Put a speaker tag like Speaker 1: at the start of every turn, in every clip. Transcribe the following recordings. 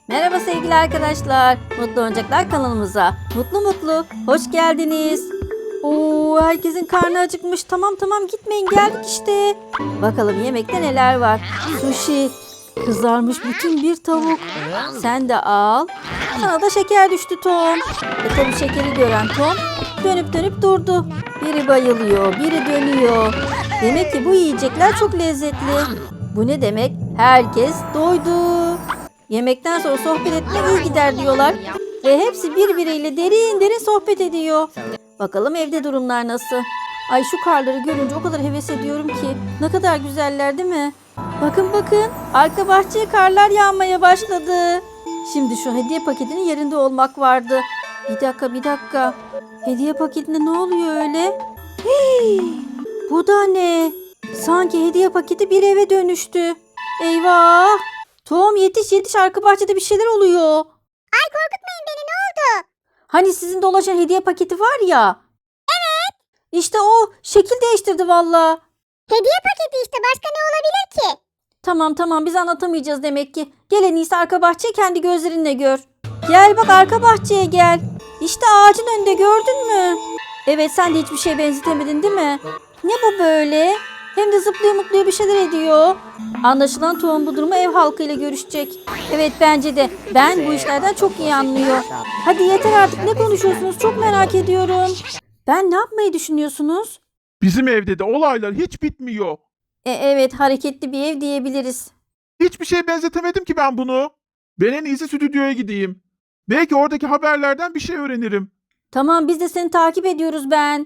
Speaker 1: Merhaba sevgili arkadaşlar. Mutlu Oyuncaklar kanalımıza mutlu hoş geldiniz. Oo, herkesin karnı acıkmış. Tamam gitmeyin, geldik işte. Bakalım yemekte neler var. Sushi, kızarmış bütün bir tavuk. Sen de al. Sana da şeker düştü Tom. Tabii şekeri gören Tom dönüp durdu. Biri bayılıyor, biri dönüyor. Demek ki bu yiyecekler çok lezzetli. Bu ne demek? Herkes doydu. Yemekten sonra sohbet etmek iyi gider diyorlar. Ve hepsi birbiriyle derin sohbet ediyor. Bakalım evde durumlar nasıl? Ay şu karları görünce o kadar heves ediyorum ki. Ne kadar güzeller değil mi? Bakın arka bahçeye karlar yağmaya başladı. Şimdi şu hediye paketinin yerinde olmak vardı. Bir dakika. Hediye paketinde ne oluyor öyle? Hii, bu da ne? Sanki hediye paketi bir eve dönüştü. Eyvah! Tom yetiş arka bahçede bir şeyler oluyor.
Speaker 2: Ay korkutmayın beni, ne oldu?
Speaker 1: Hani sizin dolaşan hediye paketi var ya. Evet. İşte o şekil değiştirdi valla.
Speaker 2: Hediye paketi işte, başka ne olabilir ki?
Speaker 1: Tamam biz anlatamayacağız demek ki. Gel en iyisi arka bahçeyi kendi gözlerinle gör. Gel bak arka bahçeye gel. İşte ağacın önünde, gördün mü? Evet, sen de hiçbir şeye benzetemedin değil mi? Ne bu böyle? Hem de zıplıyor bir şeyler ediyor. Anlaşılan Tom bu durumu ev halkıyla görüşecek. Evet bence de. Ben bu işlerden çok iyi anlıyor. Hadi yeter artık, ne konuşuyorsunuz? Çok merak ediyorum. Ben ne yapmayı düşünüyorsunuz?
Speaker 3: Bizim evde de olaylar hiç bitmiyor.
Speaker 1: Evet, hareketli bir ev diyebiliriz.
Speaker 3: Hiçbir şeye benzetemedim ki ben bunu. Ben en iyisi stüdyoya gideyim. Belki oradaki haberlerden bir şey öğrenirim.
Speaker 1: Tamam, biz de seni takip ediyoruz ben.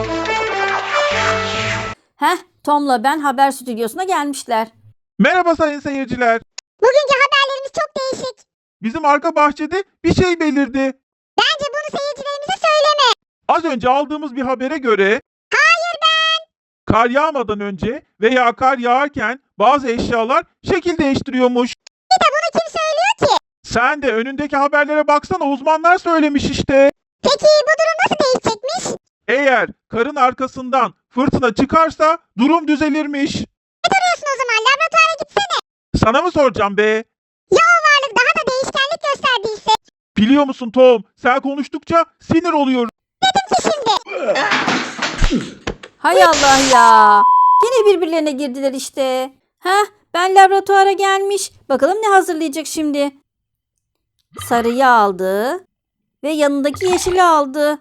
Speaker 1: Tom'la ben haber stüdyosuna gelmişler.
Speaker 3: Merhaba sayın seyirciler.
Speaker 2: Bugünkü haberlerimiz çok değişik.
Speaker 3: Bizim arka bahçede bir şey belirdi.
Speaker 2: Bence bunu seyircilerimize söyleme.
Speaker 3: Az önce aldığımız bir habere göre...
Speaker 2: Hayır ben.
Speaker 3: Kar yağmadan önce veya kar yağarken bazı eşyalar şekil değiştiriyormuş.
Speaker 2: Bir de bunu kim söylüyor ki?
Speaker 3: Sen de önündeki haberlere baksana, uzmanlar söylemiş işte.
Speaker 2: Peki bu durum nasıl değişecekmiş?
Speaker 3: Eğer karın arkasından fırtına çıkarsa durum düzelirmiş.
Speaker 2: Ne duruyorsun o zaman, laboratuvara gitsene.
Speaker 3: Sana mı soracağım be?
Speaker 2: Ya o varlık daha da değişkenlik gösterdiyse?
Speaker 3: Biliyor musun Tom, sen konuştukça sinir oluyorum.
Speaker 2: Dedim ki şimdi.
Speaker 1: Hay Allah ya. Yine birbirlerine girdiler işte. Ben laboratuvara gelmiş. Bakalım ne hazırlayacak şimdi. Sarıyı aldı. Ve yanındaki yeşili aldı.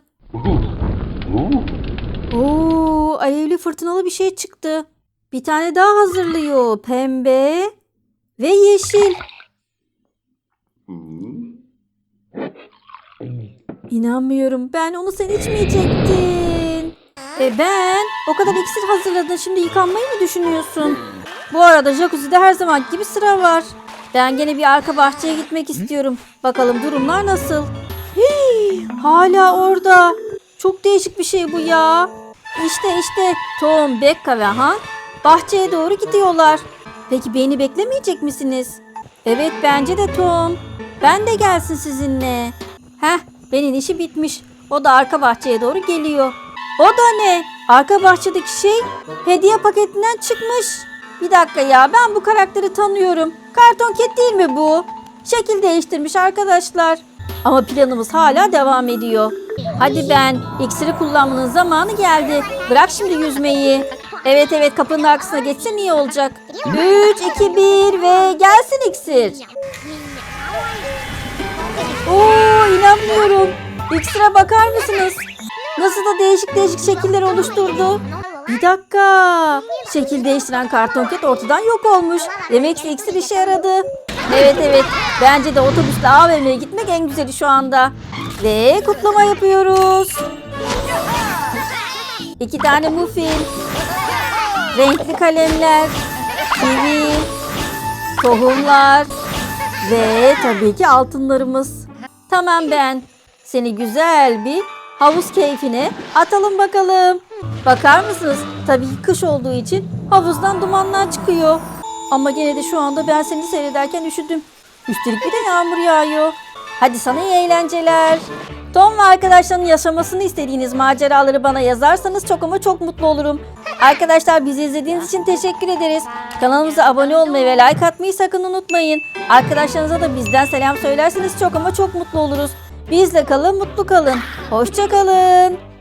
Speaker 1: Oo, alevli fırtınalı bir şey çıktı. Bir tane daha hazırlıyor. Pembe ve yeşil. İnanmıyorum. Ben onu sen içmeyecektin. Ben o kadar iksir hazırladın. Şimdi yıkanmayı mı düşünüyorsun? Bu arada jacuzzi'de her zaman gibi sıra var. Ben gene bir arka bahçeye gitmek istiyorum. Bakalım durumlar nasıl? Hala orada. Çok değişik bir şey bu ya. İşte Tom, Becca ve Han bahçeye doğru gidiyorlar. Peki beni beklemeyecek misiniz? Evet bence de Tom. Ben de gelsin sizinle. Benim işi bitmiş. O da arka bahçeye doğru geliyor. O da ne? Arka bahçedeki şey hediye paketinden çıkmış. Bir dakika ya, ben bu karakteri tanıyorum. Karton Cat değil mi bu? Şekil değiştirmiş arkadaşlar. Ama planımız hala devam ediyor. Hadi ben, iksiri kullanmanın zamanı geldi. Bırak şimdi yüzmeyi. Evet kapının arkasına geçsen iyi olacak. 3, 2, 1 ve gelsin iksir. Oo, inanmıyorum. İksire bakar mısınız? Nasıl da değişik şekiller oluşturdu. Bir dakika. Şekil değiştiren Karton Cat ortadan yok olmuş. Demek ki iksir işe yaradı. Evet. Bence de otobüsle AVM'ye gitmek en güzeli şu anda. Ve kutlama yapıyoruz. 2 tane muffin. Renkli kalemler. Kivi. Tohumlar. Ve tabii ki altınlarımız. Tamam ben. Seni güzel bir havuz keyfine atalım bakalım. Bakar mısınız? Tabii ki kış olduğu için havuzdan dumanlar çıkıyor. Ama gene de şu anda ben seni seyrederken üşüdüm. Üstelik bir de yağmur yağıyor. Hadi sana iyi eğlenceler. Tom ve arkadaşlarının yaşamasını istediğiniz maceraları bana yazarsanız çok ama çok mutlu olurum. Arkadaşlar bizi izlediğiniz için teşekkür ederiz. Kanalımıza abone olmayı ve like atmayı sakın unutmayın. Arkadaşlarınıza da bizden selam söylerseniz çok ama çok mutlu oluruz. Bizle kalın, mutlu kalın. Hoşça kalın.